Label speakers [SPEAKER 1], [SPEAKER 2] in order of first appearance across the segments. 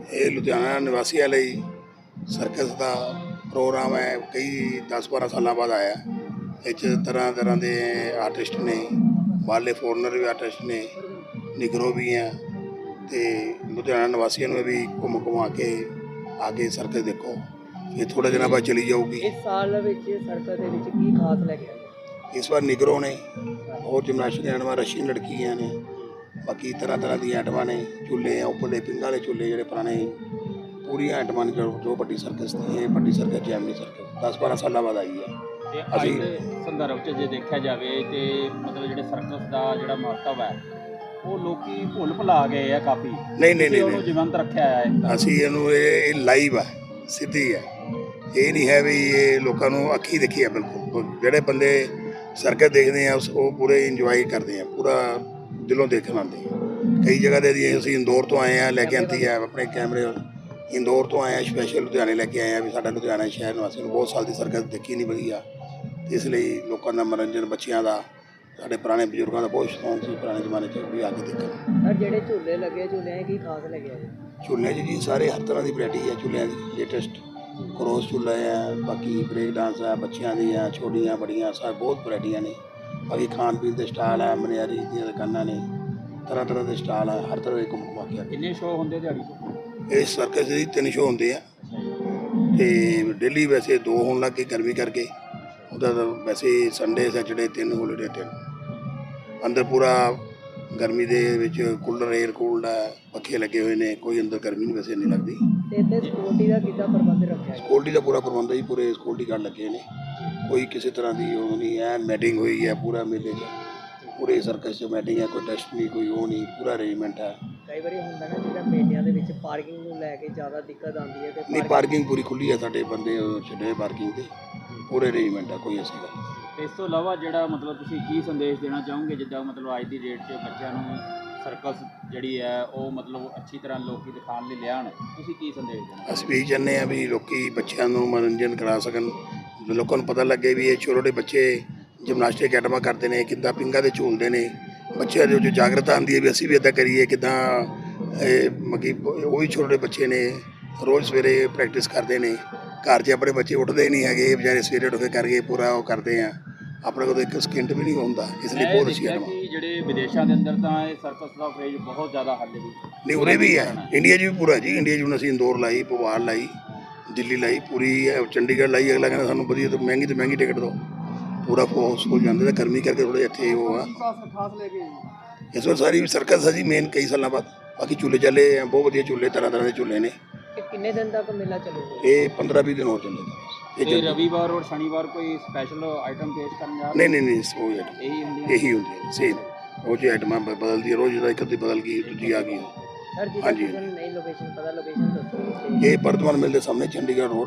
[SPEAKER 1] ਇਹ ਲੁਧਿਆਣਾ ਨਿਵਾਸੀਆਂ ਲਈ ਸਰਕਸ ਦਾ ਪ੍ਰੋਗਰਾਮ ਹੈ। ਕਈ 10-12 ਸਾਲਾਂ ਬਾਅਦ ਆਇਆ। ਇਹ 'ਚ ਤਰ੍ਹਾਂ ਤਰ੍ਹਾਂ ਦੇ ਆਰਟਿਸਟ ਨੇ, ਬਾਹਰਲੇ ਫੋਰਨਰ ਵੀ ਆਰਟਿਸਟ ਨੇ, ਨਿਗਰੋ ਵੀ ਹੈ। ਅਤੇ ਲੁਧਿਆਣਾ ਨਿਵਾਸੀਆਂ ਨੂੰ ਵੀ ਘੁੰਮਾ ਕੇ ਆ ਕੇ ਸਰਕਸ ਦੇਖੋ। ਇਹ ਥੋੜ੍ਹੇ ਦਿਨਾਂ ਬਾਅਦ ਚਲੀ ਜਾਊਗੀ।
[SPEAKER 2] ਇਸ ਸਾਲ ਵਿੱਚ ਸਰਕਸ ਦੇ ਵਿੱਚ ਕੀ ਖਾਸ ਲੈ ਕੇ ਆਏ?
[SPEAKER 1] ਇਸ ਵਾਰ ਨਿਗਰੋ ਨੇ, ਹੋਰ ਜਿਮਨਾਸਟਿਕ ਆਈਟਮਾਂ, ਰਸ਼ੀਅਨ ਲੜਕੀਆਂ ਨੇ, ਬਾਕੀ ਤਰ੍ਹਾਂ ਤਰ੍ਹਾਂ ਦੀਆਂ ਆਈਟਮਾਂ ਨੇ। ਝੂਲੇ ਆ ਉੱਪਰਲੇ ਪਿੰਗਾਂ ਵਾਲੇ ਝੂਲੇ ਜਿਹੜੇ ਪੁਰਾਣੇ, ਪੂਰੀਆਂ ਆਈਟਮਾਂ ਨੇ ਜੋ ਵੱਡੀ ਸਰਕਸ ਦੀ। ਇਹ ਵੱਡੀ ਸਰਕਸ ਜੈਮਨੀ ਸਰਕਸ 10-12 ਸਾਲਾਂ ਬਾਅਦ ਆਈ ਹੈ।
[SPEAKER 3] ਅਸੀਂ ਸੰਦਰਭ 'ਚ ਜੇ ਦੇਖਿਆ ਜਾਵੇ ਤੇ ਮਤਲਬ ਜਿਹੜੇ ਸਰਕਸ ਦਾ ਜਿਹੜਾ ਮਹੱਤਵ ਹੈ ਉਹ ਲੋਕੀ ਭੁੱਲ ਭੁਲਾ ਗਏ ਆ ਕਾਫੀ।
[SPEAKER 1] ਨਹੀਂ
[SPEAKER 3] ਉਹਨੂੰ ਜੀਵੰਤ ਰੱਖਿਆ ਹੈ।
[SPEAKER 1] ਅਸੀਂ ਇਹਨੂੰ ਇਹ ਲਾਈਵ ਹੈ, ਸਿੱਧੀ ਹੈ। ਇਹ ਨਹੀਂ ਹੈ ਵੀ ਇਹ ਲੋਕਾਂ ਨੂੰ ਅੱਖੀਂ ਦੇਖੀ ਹੈ। ਬਿਲਕੁਲ ਜਿਹੜੇ ਬੰਦੇ ਸਰਕਸ ਦੇਖਦੇ ਆ ਉਹ ਪੂਰੇ ਇੰਜੋਏ ਕਰਦੇ ਆ, ਪੂਰਾ ਦਿਲੋਂ ਦੇਖਣ ਆਉਂਦੇ ਆ। ਕਈ ਜਗ੍ਹਾ ਦੇ ਅਸੀਂ ਇੰਦੌਰ ਤੋਂ ਆਏ ਹਾਂ, ਲੈ ਕੇ ਆਂਦੀ ਹੈ ਆਪਣੇ ਕੈਮਰੇ। ਇੰਦੌਰ ਤੋਂ ਆਏ ਹਾਂ ਸਪੈਸ਼ਲ, ਲੁਧਿਆਣੇ ਲੈ ਕੇ ਆਏ ਹਾਂ ਵੀ ਸਾਡਾ ਲੁਧਿਆਣਾ ਸ਼ਹਿਰ ਨਿਵਾਸੀ ਨੂੰ ਬਹੁਤ ਸਾਲ ਦੀ ਸਰਕਸ ਦੇਖੀ ਨਹੀਂ ਵਧੀਆ। ਇਸ ਲਈ ਲੋਕਾਂ ਦਾ ਮਨੋਰੰਜਨ, ਬੱਚਿਆਂ ਦਾ, ਸਾਡੇ ਪੁਰਾਣੇ ਬਜ਼ੁਰਗਾਂ ਦਾ ਬਹੁਤ ਸ਼ੌਂਕ ਸੀ ਪੁਰਾਣੇ ਜ਼ਮਾਨੇ 'ਚ ਵੀ ਆ ਕੇ ਦੇਖਣ।
[SPEAKER 2] ਸਰ ਜਿਹੜੇ ਝੂਲੇ ਲੱਗੇ, ਝੂਲਿਆਂ ਕੀ ਖਾਸ ਲੱਗਿਆ ਜੀ?
[SPEAKER 1] ਝੂਲਿਆਂ 'ਚ ਜੀ ਸਾਰੇ ਹਰ ਤਰ੍ਹਾਂ ਦੀ ਵੈਰਾਈਟੀ ਹੈ ਝੂਲਿਆਂ ਦੀ। ਲੇਟੈਸਟ ਕਰੋਸ ਝੂਲਾ ਹੈ, ਬਾਕੀ ਬ੍ਰੇਕ ਡਾਂਸ ਹੈ, ਬੱਚਿਆਂ ਦੀ ਹੈ, ਛੋਟੀਆਂ ਬੜੀਆਂ ਸਾਰੇ ਬਹੁਤ ਵੈਰਾਈਟੀਆਂ ਨੇ। ਬਾਕੀ ਖਾਣ ਪੀਣ ਦੇ ਸਟਾਲ ਹੈ, ਮਨਿਆਰੀ ਦੀਆਂ ਦੁਕਾਨਾਂ ਨੇ, ਤਰ੍ਹਾਂ ਤਰ੍ਹਾਂ ਦੇ ਸਟਾਲ ਹੈ। ਹਰ ਤਰ੍ਹਾਂ ਦੇ ਘੁੰਮਾ ਕੇ
[SPEAKER 3] ਕਿੰਨੇ ਸ਼ੋਅ ਹੁੰਦੇ ਦਿਹਾੜੀ 'ਚ?
[SPEAKER 1] ਇਹ ਸਰਕਸ ਦੇ 3 ਸ਼ੋਅ ਹੁੰਦੇ ਆ ਅਤੇ ਡੇਲੀ ਵੈਸੇ 2 ਹੋਣ ਲੱਗ ਗਏ ਗਰਮੀ ਕਰਕੇ। ਉਹਦਾ ਤਾਂ ਵੈਸੇ ਸੰਡੇ ਸੈਚਰਡੇ 3 ਹੋਲੀਡੇ 3। ਅੰਦਰ ਪੂਰਾ ਗਰਮੀ ਦੇ ਵਿੱਚ ਕੂਲਰ, ਏਅਰ ਕੂਲਡ ਹੈ, ਪੱਖੇ ਲੱਗੇ ਹੋਏ ਨੇ। ਕੋਈ ਅੰਦਰ ਗਰਮੀ ਨਹੀਂ ਵੈਸੇ ਇੰਨੀ ਲੱਗਦੀ।
[SPEAKER 2] ਤੇ ਇੱਥੇ ਸਿਕਿਉਰਿਟੀ ਦਾ ਕਿੱਦਾਂ ਪ੍ਰਬੰਧ ਰੱਖਿਆ?
[SPEAKER 1] ਸਿਕਿਉਰਿਟੀ ਦਾ ਪੂਰਾ ਪ੍ਰਬੰਧ ਹੈ ਜੀ, ਪੂਰੇ ਸਿਕਿਉਰਿਟੀ ਗਾਰਡ ਲੱਗੇ ਨੇ। ਕੋਈ ਕਿਸੇ ਤਰ੍ਹਾਂ ਦੀ ਉਹ ਨਹੀਂ ਹੈ। ਮੈਟਿੰਗ ਹੋਈ ਹੈ ਪੂਰਾ ਮੇਲੇ 'ਚ, ਪੂਰੇ ਸਰਕਸ 'ਚ ਮੈਟਿੰਗ ਹੈ। ਕੋਈ ਟੈਸਟ ਨਹੀਂ, ਕੋਈ ਉਹ ਨਹੀਂ, ਪੂਰਾ ਅਰੇਂਜਮੈਂਟ ਹੈ।
[SPEAKER 2] ਕਈ ਵਾਰੀ ਹੁੰਦਾ ਨਾ ਜਿੱਦਾਂ ਮੇਲਿਆਂ ਦੇ ਵਿੱਚ ਪਾਰਕਿੰਗ ਨੂੰ ਲੈ ਕੇ ਜ਼ਿਆਦਾ ਦਿੱਕਤ ਆਉਂਦੀ ਹੈ। ਤੇ
[SPEAKER 1] ਨਹੀਂ, ਪਾਰਕਿੰਗ ਪੂਰੀ ਖੁੱਲ੍ਹੀ ਹੈ। ਸਾਡੇ ਬੰਦੇ ਛੱਡੇ ਪਾਰਕਿੰਗ 'ਤੇ, ਪੂਰੇ ਅਰੇਂਜਮੈਂਟ ਹੈ, ਕੋਈ ਐਸੀ ਗੱਲ ਨਹੀਂ।
[SPEAKER 3] ਇਸ ਤੋਂ ਇਲਾਵਾ ਜਿਹੜਾ ਮਤਲਬ ਤੁਸੀਂ ਕੀ ਸੰਦੇਸ਼ ਦੇਣਾ ਚਾਹੋਗੇ, ਜਿੱਦਾਂ ਮਤਲਬ ਅੱਜ ਦੀ ਡੇਟ 'ਚ ਬੱਚਿਆਂ ਨੂੰ ਸਰਕਸ ਜਿਹੜੀ ਹੈ ਉਹ ਮਤਲਬ ਅੱਛੀ ਤਰ੍ਹਾਂ ਲੋਕੀ ਦਿਖਾਉਣ ਲਈ ਲਿਆਉਣ, ਤੁਸੀਂ ਕੀ ਸੰਦੇਸ਼ ਦੇਣਾ?
[SPEAKER 1] ਅਸੀਂ ਵੀ ਚਾਹੁੰਦੇ ਹਾਂ ਵੀ ਲੋਕੀ ਬੱਚਿਆਂ ਨੂੰ ਮਨੋਰੰਜਨ ਕਰਾ ਸਕਣ, ਲੋਕਾਂ ਨੂੰ ਪਤਾ ਲੱਗੇ ਵੀ ਇਹ ਛੋਟੇ ਛੋਟੇ ਬੱਚੇ ਜਿਮਨਾਸਟਿਕ ਆਈਟਮਾਂ ਕਰਦੇ ਨੇ, ਕਿੱਦਾਂ ਪਿੰਗਾਂ 'ਤੇ ਝੂਲਦੇ ਨੇ। ਬੱਚਿਆਂ ਦੇ ਵਿੱਚ ਜਾਗਰਤਾ ਆਉਂਦੀ ਹੈ ਵੀ ਅਸੀਂ ਵੀ ਇੱਦਾਂ ਕਰੀਏ। ਕਿੱਦਾਂ ਮਤਲਬ ਉਹ ਵੀ ਛੋਟੇ ਬੱਚੇ ਨੇ, ਰੋਜ਼ ਸਵੇਰੇ ਪ੍ਰੈਕਟਿਸ ਕਰਦੇ ਨੇ। ਘਰ 'ਚ ਆਪਣੇ ਬੱਚੇ ਉੱਠਦੇ ਨਹੀਂ ਹੈਗੇ, ਵਿਚਾਰੇ ਸਵੇਰੇ ਉੱਠ ਕੇ ਕਰਕੇ ਪੂਰਾ ਉਹ ਕਰਦੇ ਆ। ਆਪਣੇ ਕੋਲ ਇੱਕ ਸਕਿੰਟ ਵੀ ਨਹੀਂ ਹੁੰਦਾ, ਇਸ ਲਈ ਬਹੁਤ ਅੱਛੀ ਆਈਟਮਾਂ।
[SPEAKER 3] ਜਿਹੜੇ ਵਿਦੇਸ਼ਾਂ ਦੇ ਅੰਦਰ ਤਾਂ ਇਹ ਸਰਕਸ ਦਾ ਕਰੇਜ਼ ਬਹੁਤ ਜ਼ਿਆਦਾ ਹਾਲੇ ਵੀ
[SPEAKER 1] ਨਹੀਂ, ਉਰੇ ਵੀ ਹੈ, ਇੰਡੀਆ 'ਚ ਵੀ ਪੂਰਾ ਜੀ। ਇੰਡੀਆ 'ਚ ਹੁਣ ਅਸੀਂ ਇੰਦੌਰ ਲਾਈ, ਭੋਪਾਲ ਲਾਈ, ਦਿੱਲੀ ਲਾਈ, ਪੂਰੀ ਚੰਡੀਗੜ੍ਹ ਲਾਈ। ਅਗਲਾ ਕਹਿੰਦਾ ਸਾਨੂੰ ਵਧੀਆ ਤੋਂ ਮਹਿੰਗੀ ਟਿਕਟ ਦਿਓ, ਪੂਰਾ ਹਾਊਸਫੁੱਲ ਜਾਂਦੇ। ਤਾਂ ਗਰਮੀ ਕਰਕੇ ਥੋੜ੍ਹੇ ਇੱਥੇ ਉਹ ਆ। ਇਸ ਵਾਰ ਸਾਰੀ ਸਰਕਸ ਹੈ ਜੀ ਮੇਨ, ਕਈ ਸਾਲਾਂ ਬਾਅਦ। ਬਾਕੀ ਝੂਲੇ ਚੱਲੇ ਆ, ਬਹੁਤ ਵਧੀਆ ਝੂਲੇ, ਤਰ੍ਹਾਂ ਤਰ੍ਹਾਂ ਦੇ ਝੂਲੇ ਨੇ।
[SPEAKER 2] ਕਿੰਨੇ ਦਿਨ ਤੱਕ ਮੇਲਾ ਚੱਲੂਗਾ?
[SPEAKER 1] ਇਹ 15-20 ਦਿਨ ਹੋਰ ਚੱਲੇਗਾ।
[SPEAKER 3] ਇਹ ਰਵੀਵਾਰ ਔਰ ਸ਼ਨੀਵਾਰ ਕੋਈ ਸਪੈਸ਼ਲ ਆਈਟਮ ਪੇਸ਼ ਕਰਨ ਜਾ?
[SPEAKER 1] ਨਹੀਂ, ਇਹੀ ਹੁੰਦੀ ਹੈ ਸੇਮ। ਉਹ ਜਿਹੀ ਆਈਟਮਾਂ ਬਦਲਦੀ ਹੈ ਰੋਜ਼, ਇੱਕ ਅੱਧੀ ਬਦਲ ਗਈ, ਦੂਜੀ ਆ ਗਈ।
[SPEAKER 2] ਸਰ ਜੀ ਨਈ ਲੋਕੇਸ਼ਨ ਪਤਾ, ਲੋਕੇਸ਼ਨ ਦੱਸੋ।
[SPEAKER 1] ਇਹ ਵਰਧਮਾਨ ਮਿਲ ਦੇ ਸਾਹਮਣੇ ਚੰਡੀਗੜ੍ਹ ਰੋਡ,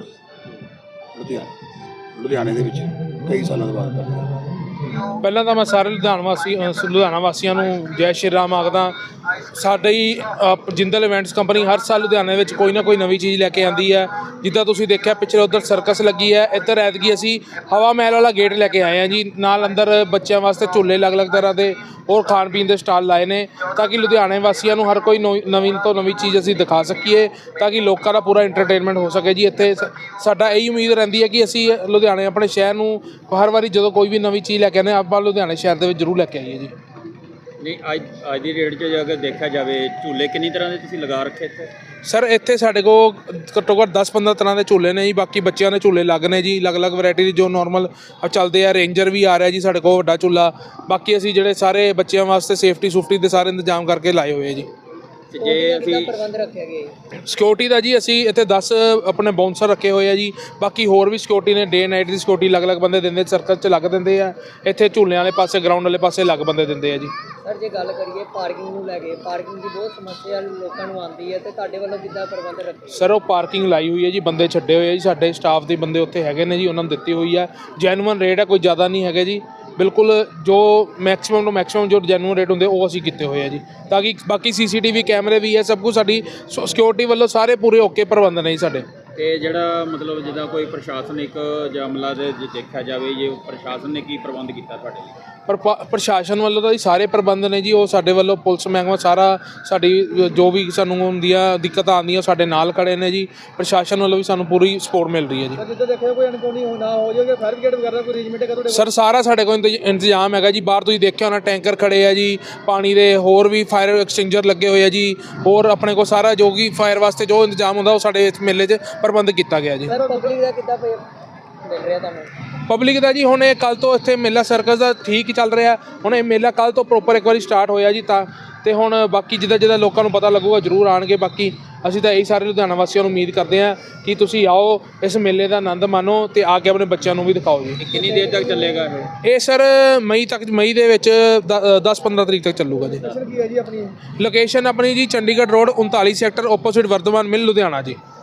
[SPEAKER 1] ਲੁਧਿਆਣੇ ਦੇ ਵਿੱਚ ਕਈ ਸਾਲਾਂ ਤੋਂ ਬਾਅਦ।
[SPEAKER 4] ਪਹਿਲਾਂ ਤਾਂ ਮੈਂ ਸਾਰੇ ਲੁਧਿਆਣਾ ਵਾਸੀਆਂ ਨੂੰ ਜੈ ਸ਼੍ਰੀ ਰਾਮ ਆਖਦਾ। ਸਾਡੀ ਜਿੰਦਲ ਇਵੈਂਟਸ ਕੰਪਨੀ ਹਰ ਸਾਲ ਲੁਧਿਆਣੇ ਵਿੱਚ ਕੋਈ ਨਾ ਕੋਈ ਨਵੀਂ ਚੀਜ਼ ਲੈ ਕੇ ਆਉਂਦੀ ਹੈ। ਜਿੱਦਾਂ ਤੁਸੀਂ ਦੇਖਿਆ ਪਿੱਛੇ ਉੱਧਰ ਸਰਕਸ ਲੱਗੀ ਹੈ, ਇੱਧਰ ਐਤਕੀ ਅਸੀਂ ਹਵਾ ਮਹਿਲ ਵਾਲਾ ਗੇਟ ਲੈ ਕੇ ਆਏ ਹਾਂ ਜੀ। ਨਾਲ ਅੰਦਰ ਬੱਚਿਆਂ ਵਾਸਤੇ ਝੂਲੇ ਅਲੱਗ-ਅਲੱਗ ਤਰ੍ਹਾਂ ਦੇ ਹੋਰ ਖਾਣ ਪੀਣ ਦੇ ਸਟਾਲ ਲਾਏ ਨੇ, ਤਾਂ ਕਿ ਲੁਧਿਆਣੇ ਵਾਸੀਆਂ ਨੂੰ ਹਰ ਕੋਈ ਨਵੀਂ ਤੋਂ ਨਵੀਂ ਚੀਜ਼ ਅਸੀਂ ਦਿਖਾ ਸਕੀਏ, ਤਾਂ ਕਿ ਲੋਕਾਂ ਦਾ ਪੂਰਾ ਇੰਟਰਟੇਨਮੈਂਟ ਹੋ ਸਕੇ ਜੀ। ਇੱਥੇ ਸਾਡਾ ਇਹੀ ਉਮੀਦ ਰਹਿੰਦੀ ਹੈ ਕਿ ਅਸੀਂ ਲੁਧਿਆਣੇ ਆਪਣੇ ਸ਼ਹਿਰ ਨੂੰ ਹਰ ਵਾਰੀ ਜਦੋਂ ਕੋਈ ਵੀ ਨਵੀਂ ਚੀਜ਼ ਲੈ ਕੇ ਆਉਂਦੇ ਆਪਾਂ ਲੁਧਿਆਣੇ ਸ਼ਹਿਰ ਦੇ ਵਿੱਚ ਜ਼ਰੂਰ ਲੈ ਕੇ ਆਈਏ ਜੀ।
[SPEAKER 3] ਨਹੀਂ, ਅੱਜ ਦੀ ਡੇਟ 'ਚ ਜੇ ਅਗਰ ਦੇਖਿਆ ਜਾਵੇ, ਝੂਲੇ ਕਿੰਨੀ ਤਰ੍ਹਾਂ ਦੇ ਤੁਸੀਂ ਲਗਾ ਰੱਖੇ ਇੱਥੇ?
[SPEAKER 4] ਸਰ ਇੱਥੇ ਸਾਡੇ ਕੋਲ ਘੱਟੋ ਘੱਟ 10-15 ਤਰ੍ਹਾਂ ਦੇ ਝੂਲੇ ਨੇ ਜੀ। ਬਾਕੀ ਬੱਚਿਆਂ ਦੇ ਝੂਲੇ ਲੱਗ ਨੇ ਜੀ, ਅਲੱਗ-ਅਲੱਗ ਵੈਰਾਈਟੀ ਦੇ ਜੋ ਨੋਰਮਲ ਚੱਲਦੇ ਆ। ਰੇਂਜਰ ਵੀ ਆ ਰਿਹਾ ਜੀ ਸਾਡੇ ਕੋਲ ਵੱਡਾ ਝੂਲਾ। ਬਾਕੀ ਅਸੀਂ ਜਿਹੜੇ ਸਾਰੇ ਬੱਚਿਆਂ ਵਾਸਤੇ ਸੇਫਟੀ ਦੇ ਸਾਰੇ ਇੰਤਜ਼ਾਮ ਕਰਕੇ ਲਾਏ ਹੋਏ ਆ ਜੀ।
[SPEAKER 3] ਜੇ ਅਸੀਂ
[SPEAKER 2] ਪ੍ਰਬੰਧ ਰੱਖਿਆ ਗਿਆ
[SPEAKER 4] ਸਿਕਿਉਰਿਟੀ ਦਾ ਜੀ, ਅਸੀਂ ਇੱਥੇ 10 ਆਪਣੇ ਬਾਉਂਸਰ ਰੱਖੇ ਹੋਏ ਆ ਜੀ। ਬਾਕੀ ਹੋਰ ਵੀ ਸਿਕਿਉਰਿਟੀ ਨੇ, ਡੇ ਨਾਈਟ ਦੀ ਸਿਕਿਉਰਿਟੀ ਅਲੱਗ-ਅਲੱਗ ਬੰਦੇ ਦਿੰਦੇ, ਸਰਕਸ 'ਚ ਲੱਗ ਦਿੰਦੇ ਆ। ਇੱਥੇ ਝੂਲਿਆਂ ਵਾਲੇ ਪਾਸੇ, ਗਰਾਊਂਡ ਵਾਲੇ ਪਾਸੇ ਅਲੱਗ ਬੰਦੇ ਦਿੰਦੇ ਆ ਜੀ।
[SPEAKER 2] ਸਰ ਜੇ ਗੱਲ ਕਰੀਏ ਪਾਰਕਿੰਗ ਨੂੰ ਲੈ ਕੇ, ਪਾਰਕਿੰਗ ਦੀ ਬਹੁਤ ਸਮੱਸਿਆ ਲੋਕਾਂ ਨੂੰ ਆਉਂਦੀ ਹੈ, ਤੇ ਤੁਹਾਡੇ ਵੱਲੋਂ ਕਿੱਦਾਂ ਪ੍ਰਬੰਧ ਰੱਖੇ?
[SPEAKER 4] ਸਰ ਉਹ ਪਾਰਕਿੰਗ ਲਾਈ ਹੋਈ ਹੈ ਜੀ, ਬੰਦੇ ਛੱਡੇ ਹੋਏ ਆ ਜੀ, ਸਾਡੇ ਸਟਾਫ ਦੇ ਬੰਦੇ ਉੱਥੇ ਹੈਗੇ ਨੇ ਜੀ, ਉਹਨਾਂ ਨੂੰ ਦਿੱਤੀ ਹੋਈ ਹੈ। ਜੈਨੂਅਨ ਰੇਟ ਹੈ, ਕੋਈ ਜ਼ਿਆਦਾ ਨਹੀਂ ਹੈਗੇ ਜੀ। ਬਿਲਕੁਲ ਜੋ ਮੈਕਸਿਮਮ ਤੋਂ ਮੈਕਸਿਮਮ ਜੋ ਜੈਨੂਅਨ ਰੇਟ ਹੁੰਦੇ ਉਹ ਅਸੀਂ ਕੀਤੇ ਹੋਏ ਆ ਜੀ, ਤਾਂ ਕਿ ਬਾਕੀ CCTV ਕੈਮਰੇ ਵੀ ਹੈ, ਸਭ ਕੁਝ ਸਾਡੀ ਸਿਕਿਉਰਿਟੀ ਵੱਲੋਂ ਸਾਰੇ ਪੂਰੇ ਓਕੇ ਪ੍ਰਬੰਧ ਨੇ ਜੀ ਸਾਡੇ।
[SPEAKER 3] ਤੇ ਜਿਹੜਾ ਮਤਲਬ ਜਿੱਦਾਂ ਕੋਈ ਪ੍ਰਸ਼ਾਸਨਿਕ ਜਾਂ ਅਮਲਾ ਦੇ ਜੇ ਦੇਖਿਆ ਜਾਵੇ, ਜੇ ਪ੍ਰਸ਼ਾਸਨ ਨੇ ਕੀ ਪ੍ਰਬੰਧ ਕੀਤਾ ਤੁਹਾਡੇ ਲਈ?
[SPEAKER 4] ਪਰ ਪ੍ਰਸ਼ਾਸਨ ਵੱਲੋਂ ਤਾਂ ਜੀ ਸਾਰੇ ਪ੍ਰਬੰਧ ਨੇ ਜੀ, ਉਹ ਸਾਡੇ ਵੱਲੋਂ ਪੁਲਿਸ ਮਹਿਕਮਾ ਸਾਰਾ ਸਾਡੀ ਜੋ ਵੀ ਸਾਨੂੰ ਹੁੰਦੀਆਂ ਦਿੱਕਤਾਂ ਆਉਂਦੀਆਂ ਸਾਡੇ ਨਾਲ ਖੜੇ ਨੇ ਜੀ। ਪ੍ਰਸ਼ਾਸਨ ਵੱਲੋਂ ਵੀ ਸਾਨੂੰ ਪੂਰੀ ਸਪੋਰਟ ਮਿਲ ਰਹੀ ਹੈ ਜੀ।
[SPEAKER 2] ਜਿੱਦਾਂ ਦੇਖਿਆ ਕੋਈ ਅਣਗੌਲੀ ਨਾ ਹੋ ਜਾਵੇ, ਫਾਇਰ ਬ੍ਰਿਗੇਡ ਵਗੈਰਾ ਕੋਈ ਅਰੇਂਜਮੈਂਟ ਹੈ ਤੁਹਾਡੇ?
[SPEAKER 4] ਸਰ ਸਾਰਾ ਸਾਡੇ ਕੋਲ ਇੰਤਜ਼ਾਮ ਹੈਗਾ ਜੀ। ਬਾਹਰ ਤੁਸੀਂ ਦੇਖਿਆ ਹੋਣਾ ਟੈਂਕਰ ਖੜੇ ਆ ਜੀ ਪਾਣੀ ਦੇ, ਹੋਰ ਵੀ ਫਾਇਰ ਐਕਸਟਿੰਗਰ ਲੱਗੇ ਹੋਏ ਆ ਜੀ। ਹੋਰ ਆਪਣੇ ਕੋਲ ਸਾਰਾ ਜੋ ਕਿ ਫਾਇਰ ਵਾਸਤੇ ਜੋ ਇੰਤਜ਼ਾਮ ਹੁੰਦਾ ਉਹ ਸਾਡੇ ਇਸ ਮੇਲੇ 'ਚ ਪ੍ਰਬੰਧ ਕੀਤਾ ਗਿਆ ਜੀ।
[SPEAKER 2] ਸਰ ਪਬਲਿਕ ਦਾ ਕਿੱਦਾਂ ਮਿਲ ਰਿਹਾ ਤੁਹਾਨੂੰ?
[SPEAKER 4] ਪਬਲਿਕ ਦਾ ਜੀ ਹੁਣ ਇਹ ਕੱਲ੍ਹ ਤੋਂ ਇੱਥੇ ਮੇਲਾ ਸਰਕਸ ਦਾ ਠੀਕ ਹੀ ਚੱਲ ਰਿਹਾ। ਹੁਣ ਇਹ ਮੇਲਾ ਕੱਲ੍ਹ ਤੋਂ ਪ੍ਰੋਪਰ ਇੱਕ ਵਾਰੀ ਸਟਾਰਟ ਹੋਇਆ ਜੀ ਤਾਂ, ਤੇ ਹੁਣ ਬਾਕੀ ਜਿੱਦਾਂ ਲੋਕਾਂ ਨੂੰ ਪਤਾ ਲੱਗੂਗਾ ਜ਼ਰੂਰ ਆਣਗੇ। ਬਾਕੀ ਅਸੀਂ ਤਾਂ ਇਹੀ ਸਾਰੇ ਲੁਧਿਆਣਾ ਵਾਸੀਆਂ ਨੂੰ ਉਮੀਦ ਕਰਦੇ ਹਾਂ ਕਿ ਤੁਸੀਂ ਆਓ, ਇਸ ਮੇਲੇ ਦਾ ਆਨੰਦ ਮਾਣੋ ਤੇ ਆ ਕੇ ਆਪਣੇ ਬੱਚਿਆਂ ਨੂੰ ਵੀ ਦਿਖਾਓ ਜੀ।
[SPEAKER 3] ਕਿੰਨੀ ਦੇਰ ਤੱਕ ਚੱਲੇਗਾ
[SPEAKER 4] ਇਹ ਸਰ ਮਈ ਦੇ ਵਿੱਚ 10-15 ਤਰੀਕ ਤੱਕ ਚੱਲੂਗਾ ਜੀ।
[SPEAKER 2] ਕੀ ਹੈ ਜੀ ਆਪਣੀ?
[SPEAKER 4] ਲੋਕੇਸ਼ਨ ਆਪਣੀ ਜੀ Chandigarh road 39 sector opposite Vardhman mill Ludhiana ਜੀ।